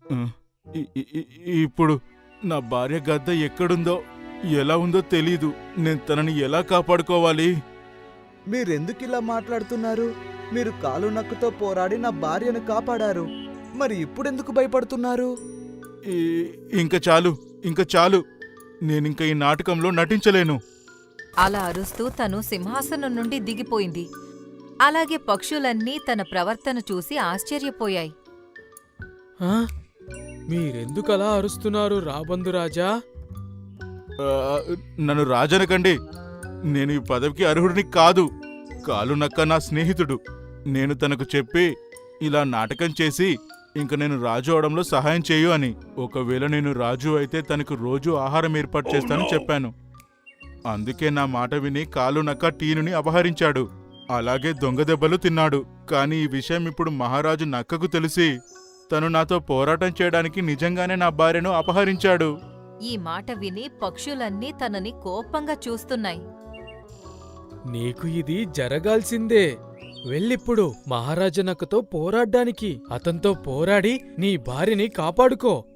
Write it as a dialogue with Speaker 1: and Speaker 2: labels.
Speaker 1: ఆ, ఇ- ఇ- ఇ- ఇప్పుడు నా భార్య గద్ద ఎక్కడుందో ఎలా ఉందో తెలీదు. నేను తనని ఎలా కాపాడుకోవాలి?
Speaker 2: మీరెందుకిలా మాట్లాడుతున్నారు? మీరు కాలు నక్కుతో పోరాడి నా భార్యను కాపాడారు. మరి ఇప్పుడెందుకు భయపడుతున్నారు?
Speaker 1: ఈ- ఇంక చాలు, ఇంక చాలు. నేనింక ఈ నాటకంలో నటించలేను.
Speaker 3: అలా అరుస్తూ తను సింహాసనం నుండి దిగిపోయింది. అలాగే పక్షులన్నీ తన ప్రవర్తన చూసి ఆశ్చర్యపోయాయి.
Speaker 4: ఆ? మీరెందుకలా అరుస్తున్నారు రాబందురాజా?
Speaker 1: ఆ, నన్ను రాజనకండి. నేను ఈ పదవికి అర్హుడిని కాదు. కాలు నక్క నా స్నేహితుడు. నేను తనకు చెప్పి ఇలా నాటకం చేసి ఇంక నేను రాజు అవడంలో సహాయం చేయు అని. ఒకవేళ నేను రాజు అయితే తనకు రోజు ఆహారం ఏర్పాటు చేస్తానని చెప్పాను. అందుకే నా మాట విని కాలు నక్క టీనుని అపహరించాడు. అలాగే దొంగ దెబ్బలు తిన్నాడు. కాని ఈ విషయం ఇప్పుడు మహారాజు నక్కకు తెలిసి తను నాతో పోరాటం చేయడానికి నిజంగానే నా భార్యను అపహరించాడు.
Speaker 3: ఈ మాట విని పక్షులన్నీ తనని కోపంగా చూస్తున్నాయి.
Speaker 4: నీకు ఇది జరగాల్సిందే. వెళ్ళిప్పుడు మహారాజనక్కతో పోరాడ్డానికి. అతనితో పోరాడి నీ భార్యని కాపాడుకో.